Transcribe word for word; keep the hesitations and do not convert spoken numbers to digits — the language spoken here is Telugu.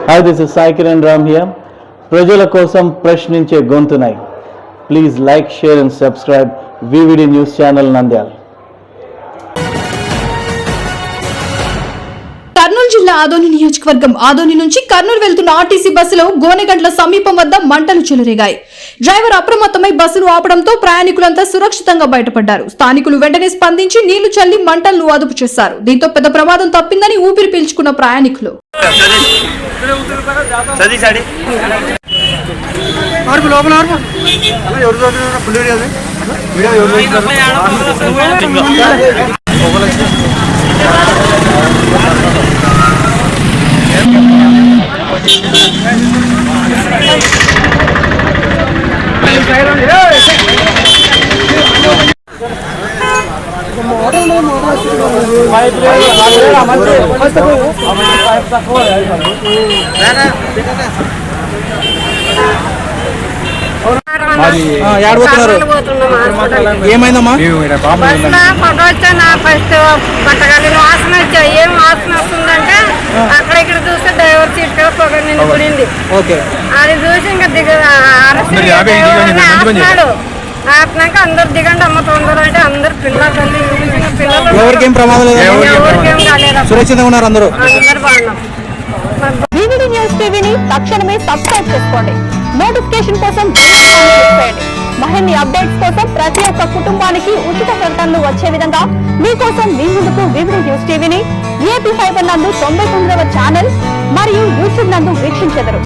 Hi, this is Sai Kiran Ram here. ప్రజల కోసం ప్రశ్నించే గొంతునై please like share and subscribe VVD news channel Nandyal. Kurnool జిల్లా ఆదోని నియోజకవర్గం ఆదోని నుంచి కర్నూలు వెళ్తున్న ఆర్టీసీ బస్సులో గోనెగండ్ల సమీపం వద్ద మంటలు చెలరేగాయి. డ్రైవర్ అప్రమత్తమై బస్సును ఆపడంతో ప్రయాణికులంతా సురక్షితంగా బయటపడ్డారు. స్థానికులు వెంటనే స్పందించి నీళ్లు చల్లి మంటలను అదుపు చేశారు. దీంతో పెద్ద ప్రమాదం తప్పిందని ఊపిరి పీల్చుకున్న ప్రయాణికులు ఏమైందమ్మా? ఫస్ట్ పట్టగలిగిన వాసన వచ్చాయి. ఏం వాసన వస్తుందంటే అక్కడ ఇక్కడ చూస్తే డ్రైవర్ సీట్ కూడా పొగ నిండిపోయింది. అది చూసి ఇంకా దిగ ఆపినాడు. ఆపినాక అందరు దిగండి అమ్మ తొందర అంటే అందరు పిల్లలు పిల్లలు ఎవరికేం ప్రమాదం లేదు, ఎవరికేం కాలేదు, సురక్షితంగా ఉన్నారు అందరూ. అందరు బాగున్నాం. వివిడి న్యూస్ టీవీని తక్షణమే సబ్స్క్రైబ్ చేసుకోండి. నోటిఫికేషన్ కోసం చేయండి. మరిన్ని అప్డేట్స్ కోసం ప్రతి ఒక్క కుటుంబానికి ఉచిత ప్రకటనలు వచ్చే విధంగా మీకోసం మీ ముందుకు వివిడి న్యూస్ టీవీని ఏపీ ఫైబర్ నందు తొంభై తొమ్మిదవ ఛానల్ మరియు యూట్యూబ్ నందు వీక్షించెదరు.